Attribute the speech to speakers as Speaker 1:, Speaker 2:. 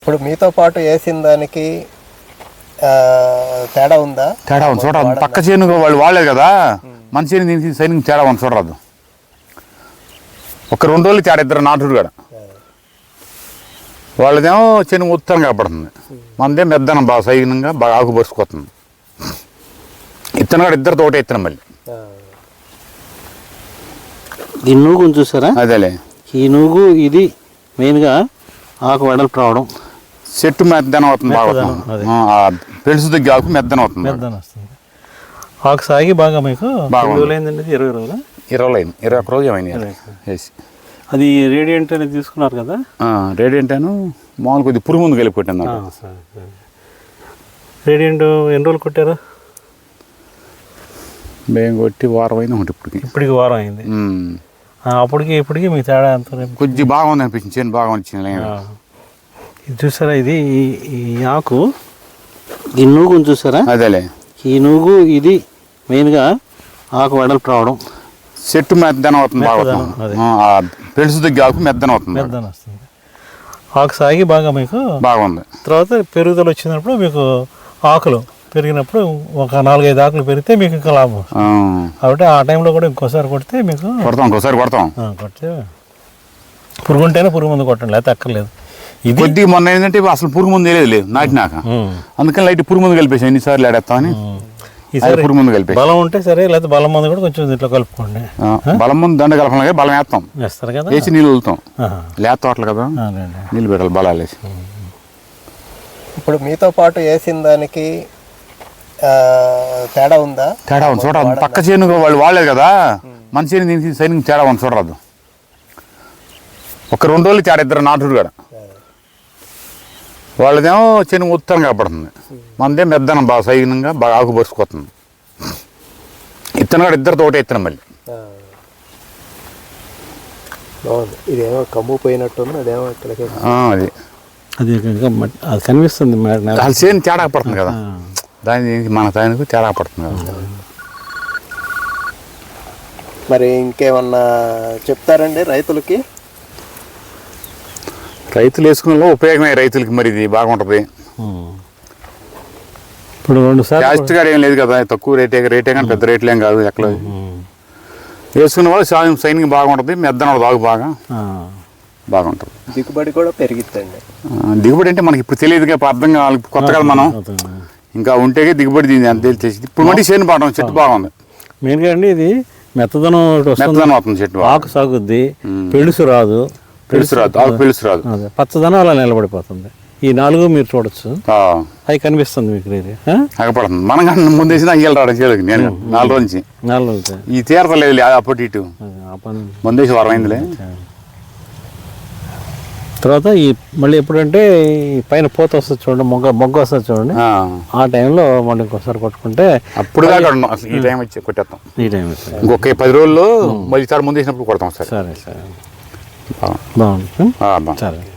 Speaker 1: ఇప్పుడు మీతో పాటు వేసిన దానికి తేడా ఉందా?
Speaker 2: తేడా ఉంది చూడరాదు. పక్క చేను వాళ్ళు వాడలేదు కదా, మన చేను దీనికి సైనింగ్ తేడా ఉంది చూడరాదు. ఒక 2 రోజులు తేడా, ఇద్దరు నాటుడు కూడా. వాళ్ళదేమో చేను ఉత్తరం కాబడుతుంది, మనదే మెద్దనం బాగా సైనంగా బాగా ఆకు పరుచుకోతుంది. ఇత్తనం కూడా ఇద్దరితో ఒకటే ఇత్తనం మళ్ళీ.
Speaker 3: ఈ నూగు చూసారా?
Speaker 2: అదేలే,
Speaker 3: ఈ నూగు ఇది మెయిన్గా ఆకు వెడల్పు రావడం,
Speaker 2: చెట్టు మెద్దనం అవుతుంది బాగా, పెలుసు దగ్గర ఆకు మెద్దనం అవుతుంది.
Speaker 3: ఆకు సాగి బాగా మీకు
Speaker 2: బాగా
Speaker 3: 20 రోజులు
Speaker 2: 21 రోజు ఏమైనా వేసి.
Speaker 3: అది రేడియంట్ అనేది తీసుకున్నారు కదా?
Speaker 2: రేడియంట్ అను మామూలు కొద్దిగా పురుగు ముందు కలిపి పెట్టాను.
Speaker 3: రేడియంట్ ఎన్ని రోజులు కొట్టారు?
Speaker 2: మేము కొట్టి వారం అయినా ఉంటుంది
Speaker 3: ఇప్పటికి వారం అయింది. అప్పటికి ఇప్పటికి మీ తేడా ఎంత?
Speaker 2: కొద్దిగా బాగుంది అనిపించింది, చేను బాగా వచ్చింది.
Speaker 3: ఇది చూసారా? ఇది ఈ ఆకు, ఈ నూగు చూసారా?
Speaker 2: అదేలే,
Speaker 3: ఈ నూగు ఇది మెయిన్గా ఆకు వెడల్పు రావడం,
Speaker 2: చెట్టు మెద్దనం అవుతుంది బాగా, పెలుసు దగ్గర ఆకు మెద్దనం అవుతుంది.
Speaker 3: ఆకు సాగి బాగా మీకు
Speaker 2: బాగుంది.
Speaker 3: తర్వాత పెరుగుదల వచ్చినప్పుడు మీకు ఆకులు పెరిగినప్పుడు ఒక 4-5 ఆకులు పెరిగితే మీకు ఇంకా లాభం. కాబట్టి ఆ టైంలో కూడా ఇంకోసారి కొడితే మీకు
Speaker 2: ఇంకోసారి కొడతాం.
Speaker 3: కొడితే పురుగు ఉంటేనే పురుగు మందు కొట్టండి, లేకపోతే అక్కర్లేదు. ఇది
Speaker 2: కొద్దిగా మొన్న ఏంటంటే అసలు పురుగు మందు లేదు నాటినాక, అందుకని లైట్ పురుగు మందు కలిపేసాం. ఎన్నిసార్లు ఆడేస్తామని
Speaker 3: ఈసారి
Speaker 2: పురుగు మందు కలిపి,
Speaker 3: బలం ఉంటే సరే, లేకపోతే బలం మందు కూడా కొంచెం దీంట్లో కలుపుకోండి.
Speaker 2: బలం మందు దండ కలపాలి, బలం
Speaker 3: వేస్తారు కదా,
Speaker 2: వేసి నీళ్ళు వదులుతాం. లేత తోటలు కదా, నీళ్ళు పెట్టాలి బలాలు వేసి.
Speaker 1: ఇప్పుడు మీతో పాటు వేసిన దానికి తేడా ఉందా?
Speaker 2: తేడా ఉంది చూడరాదు. పక్క చేను వాళ్ళు వాడలేదు కదా, మన చేను దీనికి సైనింగ్ తేడా ఉంది చూడరాదు. ఒక 2 రోజులు తేడా, ఇద్దరు నాటుడు కూడా. వాళ్ళదేమో చేను ఉత్తరం కాబడుతుంది, మనదే మెద్దనం బాగా సైనంగా బాగా ఆకు పరుచుకోతుంది. ఇత్తనం కూడా ఇద్దరితో ఒకటే ఇత్తనం మళ్ళీ.
Speaker 1: బాగుంది. ఇదేమో కమ్ము పోయినట్టుంది, అదేమో
Speaker 2: అది
Speaker 3: అది కనిపిస్తుంది.
Speaker 2: వాళ్ళ చేను తేడా పడుతుంది కదా, దానికి మన దానికి తేడా పడుతుంది కదా.
Speaker 1: మరి ఇంకేమన్నా చెప్తారండి రైతులకి?
Speaker 2: రైతులు వేసుకున్న ఉపయోగమే రైతులకి, మరి ఇది బాగుంటుంది.
Speaker 3: ఇప్పుడు 2 సార్లు
Speaker 2: కాస్ట్ గారు ఏం లేదు కదా, తక్కువ రేటే కానీ పెద్ద రేట్లు ఏం కాదు. ఎక్కడ వేసుకున్న వాళ్ళు సైనింగ్ బాగుంటుంది, మెద్దన బాగు బాగుంటుంది.
Speaker 1: దిగుబడి కూడా పెరిగిద్దండి.
Speaker 2: దిగుబడి అంటే మనకి ఇప్పుడు తెలియదుగా, అర్థం కావాలి, కొత్త కదా మనం. ఇంకా ఉంటే దిగుబడి దీన్ని అంత తెలిసి. ఇప్పుడు మళ్ళీ చేను పాడడం, చెట్టు బాగుంది.
Speaker 3: మెయిన్గా అండి ఇది మెత్తదనం
Speaker 2: అవుతుంది, చెట్టు
Speaker 3: ఆకు సాగుద్ది, పెళుసు రాదు,
Speaker 2: ఆకు పెలుసు రాదు,
Speaker 3: పచ్చదనం అలా నిలబడిపోతుంది. ఈ 4 మీరు చూడొచ్చు, అవి కనిపిస్తుంది మీకు.
Speaker 2: అగపడుతుంది. మనం కానీ ముందేసిన అయ్యాలి రావడం చేయలేదు. నేను 4 రోజు నుంచి ఈ తీరతలేదు, అప్పటి ఇటు ముందేసి వారం అయిందిలే.
Speaker 3: తర్వాత ఈ మళ్ళీ ఎప్పుడంటే పైన పూత వస్తుంది చూడండి, మొగ్గ వస్తుంది చూడండి, ఆ టైంలో మళ్ళీ ఇంకోసారి కొట్టుకుంటే
Speaker 2: అప్పుడు దాకా ఈ టైం వచ్చి కొట్టేస్తాం.
Speaker 3: ఈ టైం
Speaker 2: ఇంకొక 10 రోజుల్లో మళ్ళీ సార్ ముందు వేసినప్పుడు కొడతాం. సరే
Speaker 3: సరే బాగుంది.
Speaker 2: సరే.